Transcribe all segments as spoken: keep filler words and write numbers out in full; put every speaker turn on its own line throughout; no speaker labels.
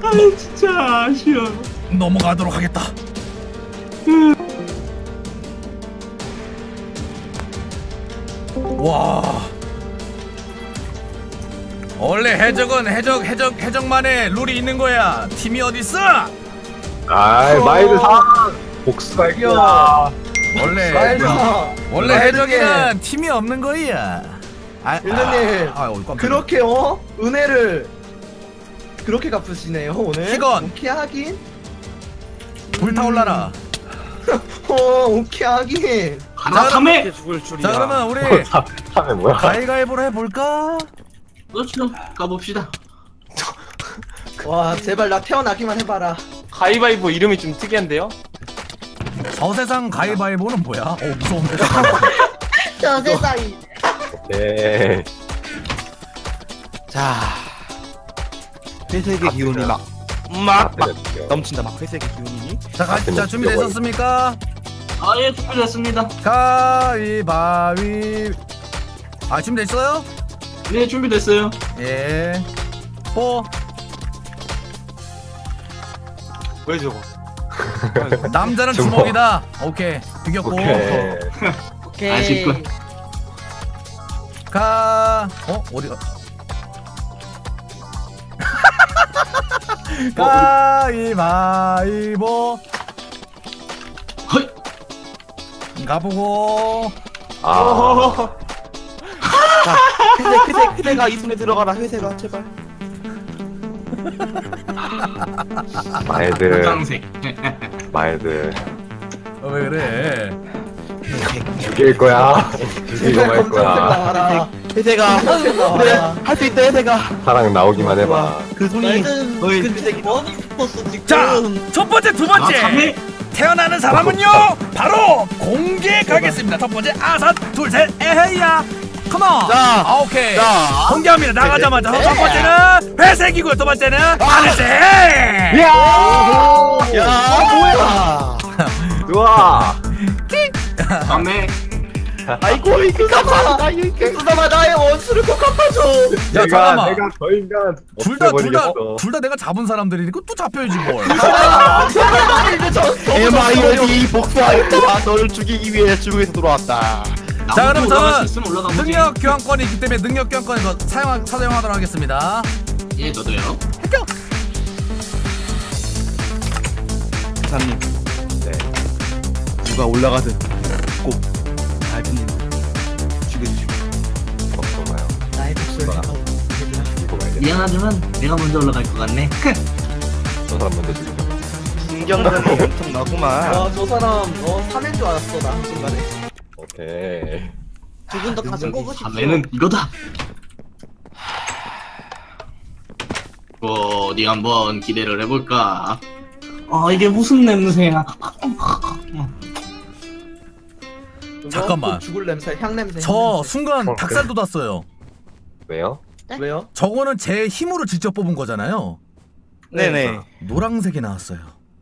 아이 진짜 아쉬워.
넘어가도록 하겠다. 와. 원래 해적은 해적 해적 해적만의 룰이 있는 거야. 팀이 어디 있어?
아이 마이드 사 복수가 있구나.
원래 원래 해적이는 팀이 없는 거야. 아,
일전님
아, 아, 아,
그렇게 어 은혜를 그렇게 갚으시네요 오늘.
희건.
오케이 하긴.
불타올라라.
어 오케이 하긴.
하나 삼회.
자 그러면 우리
삼회 뭐야?
가위가위보로 해볼까?
그렇죠. 가봅시다.
와 제발 나 태어나기만 해봐라.
가위바위보 이름이 좀 특이한데요?
저세상 가위바위보는 뭐야? 어 무서운데.
저 세상이.
오케이.
자, 회색의 기운이 막, 막, 막 넘친다. 막 회색의 기운이.
자, 가, 자 준비되셨습니까?
아예 준비됐습니다.
가위바위. 아 준비됐어요?
네 준비됐어요.
예. 뽀.
왜 저거?
남자는
주먹.
주먹이다. 오케이. 비겼고.
오케이.
오케이.
아쉽고.
가. 어 어디가? 가위바위보.
헐.
가보고.
아.
자, 회색, 회색, 회색아 이 손에 들어가라. 회색아 제발.
마이드.
짱색.
마이드.
어, 왜 그래?
죽일 거야. 죽이고 말 거야.
나와라.
회색아, 그래 할 수 있다 회색아.
사랑 나오기만 해봐.
그 손이 너의 회색이.
자, 첫 번째, 두
아
번째.
삼회.
태어나는 사람은요 바로 공개 가겠습니다. 첫 번째 아삿 둘 셋 에헤이야 컴온.
자,
아, 오케이.
자.
공개합니다. 나가자마자 첫 번째는 회색이고요. 두 번째는 하늘색.
야, 뭐야?
좋아.
삼회.
아이고 이거 갚아.
수담아 나의 원수를 꼭 갚아줘.
야
내가
잠깐만.
내가 저 인간
둘 다 둘 다
없애버리겠어.
둘 다 내가 잡은 사람들이니까 또 잡혀야지 뭘.
엠아이오디 복수하였다. 너를 죽이기 위해 중국에서 돌아왔다.
자 그럼 저는
있으면 올라가 보지.
능력 교환권이 있기 때문에 능력 교환권 이거 사용 사용하도록 하겠습니다.
예 저도요.
합격.
사장님,
네.
누가 올라가든 꼭 알프님 죽여주시고.
걱정마요.
나의 목소리.
이거 봐야 돼.
미안하지만 내가 먼저 올라갈 것 같네.
저 사람 먼저 죽여.
신경전이 엄청 나구만.
와저 사람 어 삼인 줄 알았어 나 순간에.
오케이.
두 분 더 가슴 꼽으십시오.
삼회는 이거다. 어디 한번 기대를 해볼까. 아 이게 무슨 냄새야.
잠깐만.
죽을 냄새, 향 냄새.
저
향 냄새.
순간
어,
닭살 돋았어요.
왜요?
왜요?
저거는 제 힘으로 직접 뽑은 거잖아요.
네네.
노란색이 나왔어요.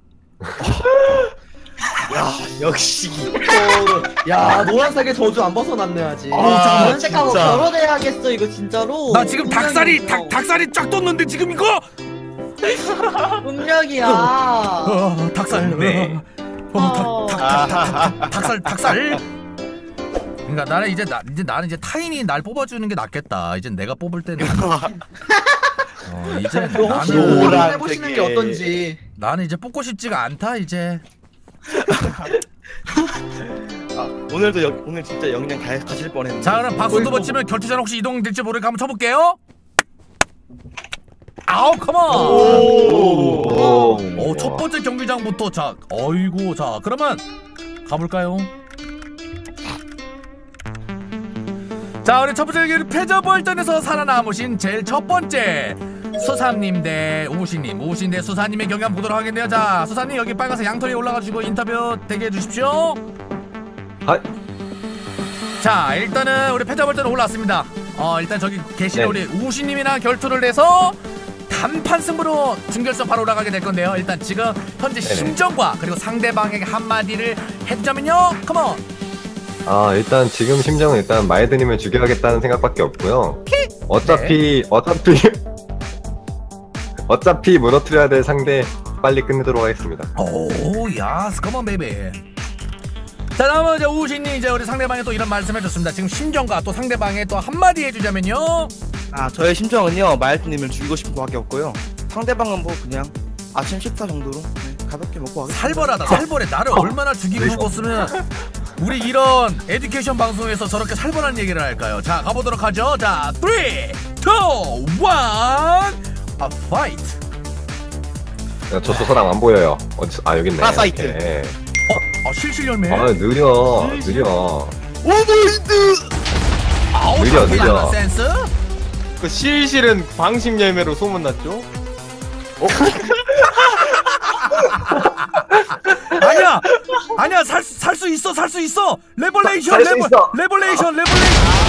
야 역시.
야 노란색의 저주 안 벗어났네 아직.
아,
노란색하고
진짜.
결혼해야겠어 이거 진짜로.
나 지금 닭살이 닭 닭살이 쫙 돋는데 지금 이거?
운명이야.
어, 닭살.
네.
어, 닭, 닭, 닭, 닭, 닭, 닭, 닭살, 닭살. 그러니까 나는 이제 나 이제 나는 이제 타인이 날 뽑아주는 게 낫겠다. 이제 내가 뽑을 때는. 어, 이제
그럼 혹시
나는
노란 해보시는 게 어떤지.
나는 이제 뽑고 싶지가 않다 이제.
아, 오늘도 여, 오늘 진짜 영양 가, 가실 뻔했는데.
자 그럼 박수 두 번 치면 결투전 혹시 이동될지 모르니까 한번 쳐볼게요. 아우 컴온.
오.
오, 첫 번째 경기장부터 자, 어이구 자 그러면 가볼까요? 자 우리 첫 번째 경기 패저벌전에서 살아남으신 제일 첫 번째 수사님 대 우우씨님, 우우씨 대 수사님의 경기 한번 보도록 하겠네요. 자 수사님 여기 빨간색 양털 위에 올라가지고 인터뷰 대기해 주십시오.
하.
자 일단은 우리 패저벌전 올라왔습니다. 어 일단 저기 계시는
네.
우리 우우씨님이랑 결투를 해서 단판 승부로 준결승 바로 올라가게 될 건데요. 일단 지금 현재
네네.
심정과 그리고 상대방에게 한마디를 해주자면요. 컴온.
아 일단 지금 심정은 일단 마이드님을 죽여야겠다는 생각밖에 없고요. 어차피 어차피 어차피 무너뜨려야 될 상대 빨리 끝내도록 하겠습니다.
오야 스커먼 베이비. 자 다음은 이제 우신이 이제 우리 상대방에 또 이런 말씀해줬습니다. 지금 심정과 또 상대방에 또 한마디 해주자면요.
아 저의 심정은요 마이트님을 죽이고 싶은 거밖에 없고요. 상대방은 뭐 그냥 아침 식사 정도로 네, 가볍게 먹고 가겠습니다.
살벌하다 살벌해. 나를 얼마나 죽이고 싶었으면 우리 이런 에듀케이션 방송에서 저렇게 살벌한 얘기를 할까요? 자 가보도록 하죠. 자 삼, 이, 일, 아 파이트.
저쪽 사람 안 보여요. 어디, 아 여기 있네.
파라사이트.
오케이.
어, 어 실실 열매.
아 느려 느려.
오버히트.
아우
느려,
나쁘지
느려.
않은 센스.
그 실실은 방심 열매로 소문났죠?
아니야 아니야 살 살 수 있어 살 수 있어. 레벌레이션
살수
레벌
있어.
레벌레이션 레벌레이션.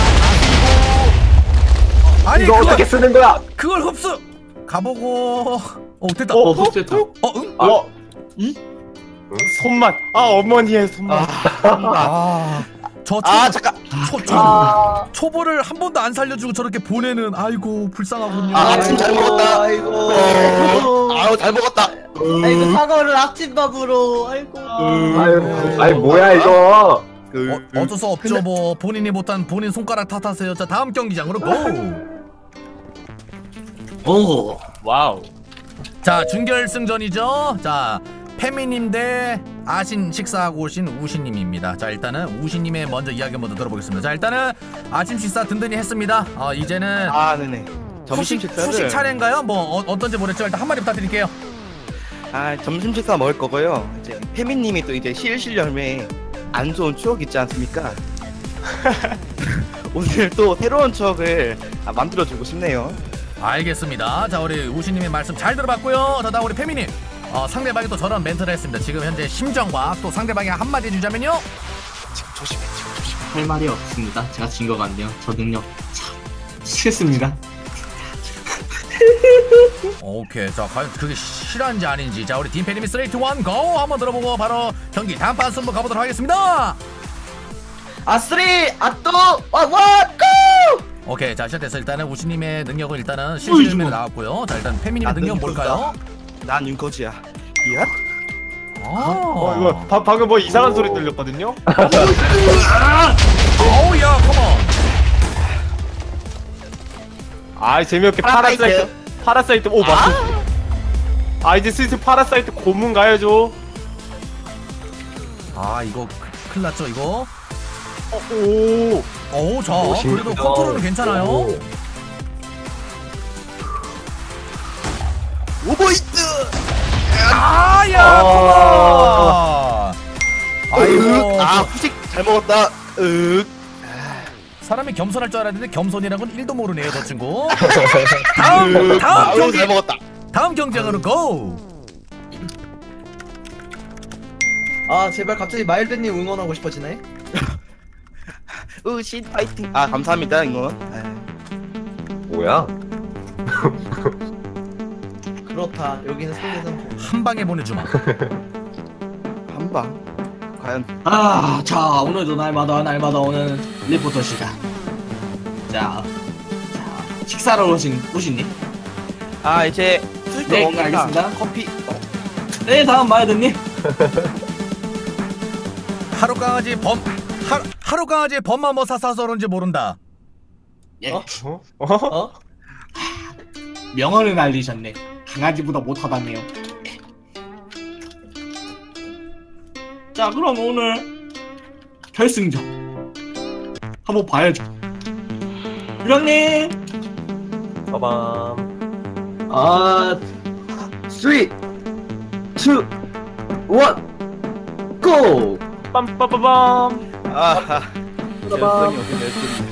아니
이거
그걸,
어떻게 쓰는 거야?
그걸 흡수. 가보고. 어 됐다.
어, 흡수했다.
어 응?
어? 손맛. 아 어머니의 손맛.
아, 저 초,
아 잠깐.
초, 초, 초보를 한 번도 안 살려주고 저렇게 보내는 아이고 불쌍하군요.
아 아침 잘 먹었다.
아이고.
아유 잘 먹었다.
아이고 사과를 아침밥으로. 아이고.
아유, 아이 뭐야 이거?
어, 어쩔 수 없죠. 뭐 본인이 못한 본인 손가락 탓하세요. 자 다음 경기장으로 고.
오.
와우.
자 준결승전이죠. 자 페미님 대 아신 식사하고 오신 우신님입니다. 자 일단은 우신님의 먼저 이야기 먼저 들어보겠습니다. 자 일단은 아침 식사 든든히 했습니다. 어 이제는
아 네네. 점심
후식,
식사를.
후식 차례인가요? 뭐 어, 어떤지 모르겠죠. 일단 한마디 부탁드릴게요.
아 점심 식사 먹을 거고요. 이제 페미님이 또 이제 실실 열매에 안 좋은 추억 있지 않습니까? 오늘 또 새로운 추억을 아, 만들어주고 싶네요.
알겠습니다. 자 우리 우신님의 말씀 잘 들어봤고요. 자 다음 우리 페미님. 어, 상대방이 또 저런 멘트를 했습니다. 지금 현재 심정과 또 상대방이 한마디 해주자면요.
조심해, 조심해.
할 말이 없습니다. 제가 진 것 같네요. 저 능력 참 싫습니다.
오케이. 자 과연 그게 실한지 아닌지. 자 우리 딘페님이 삼, 이, 일, 고 한번 들어보고 바로 경기 단판 승부 가보도록 하겠습니다.
아 쓰리 아또 원 고.
오케이. 자 시작됐어. 일단은 우신님의 능력은 일단은 실시면에 나왔고요. 자 일단 페미님의
난
능력은 뭘까요?
난 윤커지야. 야?
아,
어 이거 바, 방금 뭐 이상한 소리 들렸거든요?
어우 야 컴온.
아 재미없게
파라사이트.
파라사이트. 파라사이트. 오 맞다. 아 이제 슬슬 파라사이트 고문 가야죠.
아 이거 큰일 났죠 이거.
어, 오.
어우 자
멋있네요.
그래도 컨트롤은 괜찮아요.
오.
오버히트.
아야 컴온. 아이고
아 후식 잘 먹었다. 윽.
사람이 겸손할 줄 알았는데 겸손이라고는 일도 모르네요 저 친구. 다음 다음
아유,
경기
잘 먹었다.
다음 경쟁으로 고.
아 제발 갑자기 마일드님 응원하고 싶어지네.
으신 파이팅. 아 감사합니다 이거.
뭐야?
그렇다. 여기는 상대선.
한 방에 보내주마.
한 방. 과연.
아, 자 오늘도 날마다 날마다 오는 리포터 시간. 자, 자 식사로 오신 우신님.
아 이제 술도
네,
먹으니까
알겠습니다.
커피. 어.
네 다음 마이드님.
하루 강아지 범 하, 하루 강아지 범만 뭐 사사서 그런지 모른다.
예.
어? 어?
어? 명언을 날리셨네. 강아지보다 못하다네요. 자 그럼 오늘 결승전 한번 봐야죠. 유랑님.
빠밤.
아
쓰리, 이, 원, 고!
빰빠빠밤.
아하. 결성이 어떻게 될지.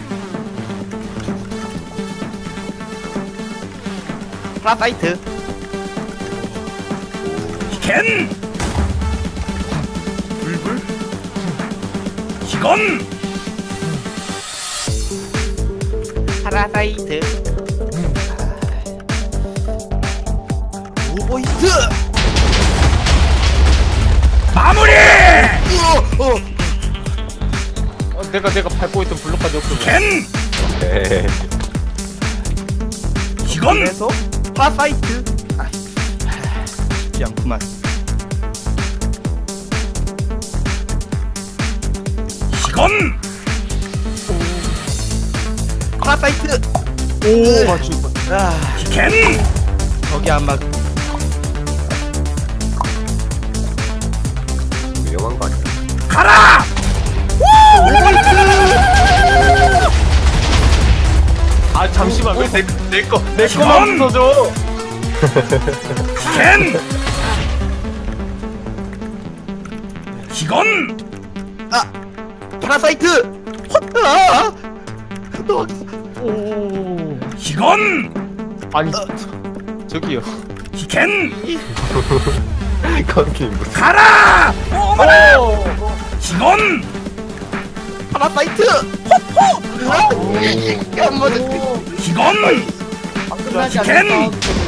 파라사이트.
겐 불불 이건
파라사이트. 오버히트.
마무리.
어, 어.
어, 내가 내가 밟고 있던 블록까지 없어.
겐
네.
이건
그래서 파라사이트. 쉽지 않구만.
이건
파라사이트.
오 맞추.
아,
겐
저기 안 맞.
위험한 거 아니야?
가라.
아 잠시만 왜 내 내 거 내 거만 부숴줘.
겐 이건
아, 파라사이트. 아, 너
오.
이건
아니 저, 저기요.
겐
거기 무슨
가라. 어머나.
오.
이건
파라사이트. 아, 안 맞아.
이건
끝나지
겐!
않는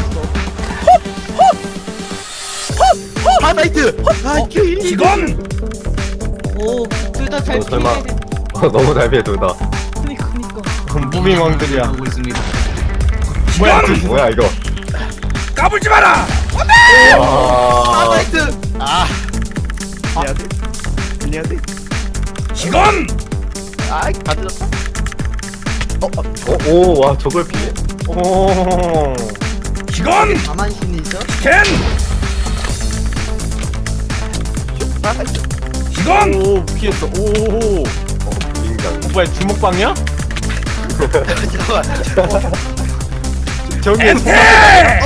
파라사이트. 아,
이건
오둘 다 잘
어, 설마.
피해.
어, 너무 잘 피해 둘 다.
그니까 그니까.
무빙 왕들이야.
하고 있습니다.
이건
뭐야 이거?
까불지 마라.
와.
파라사이트. 아, 해야 돼. 해야 돼.
이건
아, 다 들었어.
어, 오, 와 저걸 피해?
오.
이건
가만신이 있어?
겐
파라사이트.
이건
오 피했어. 오.
인간.
뭐야 주먹방이야?
잠깐만.
저기
엔테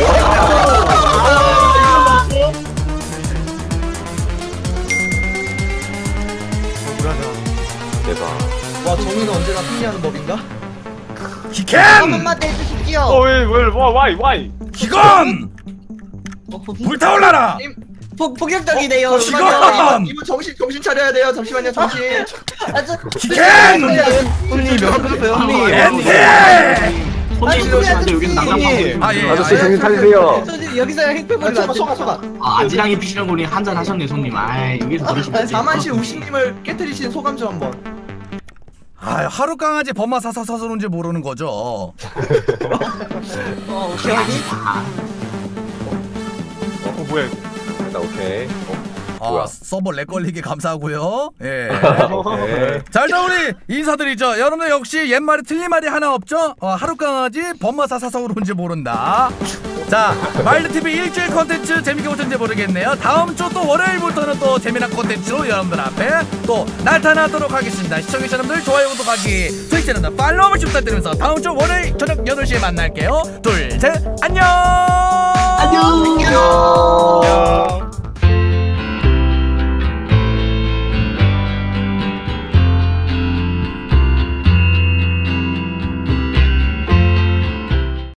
대박.
와 정의는 언제나 승리하는 법인가?
한
겐
번만 더 해주십시오.
어왜왜 와이 와이.
이건
어,
불타올라라.
폭 폭력적이네요.
어, 이건
이분 정신 정신 차려야 돼요. 잠시만요 정신.
아, 저-
겐
형님 몇 그러세요, 형님?
엔테
손님 이러시면 여기서 난장판.
아예
아저씨 정신 차리세요.
저 여기서 행패물이
소가 소가 소가.
아 아지랑이 피시는 분이 한잔 하셨네 손님. 아 여기서 그러시면 안 돼요.
사만시 우신님을 깨뜨리신 소감 좀 한번.
아 하루 강아지 범마 사사사서인지 모르는 거죠.
어, 오케이.
어 뭐야?
일단 오케이. 어,
아
뭐야?
서버 렉 걸리게 감사하고요. 예.
오케이.
자 일단 우리 인사드리죠. 여러분들 역시 옛말에 틀린 말이 하나 없죠? 어, 하루강아지 범마사사서우로인지 모른다. 자 마일드티비 일주일 컨텐츠 재밌게 보셨는지 모르겠네요. 다음 주 또 월요일부터는 또 재미난 컨텐츠로 여러분들 앞에 또 나타나도록 하겠습니다. 시청해주신 여러분들 좋아요 구독하기 트위치는 팔로우 한 번씩 부탁드리면서 다음 주 월요일 저녁 여덟 시에 만날게요. 둘 셋 안녕.
안녕.
야.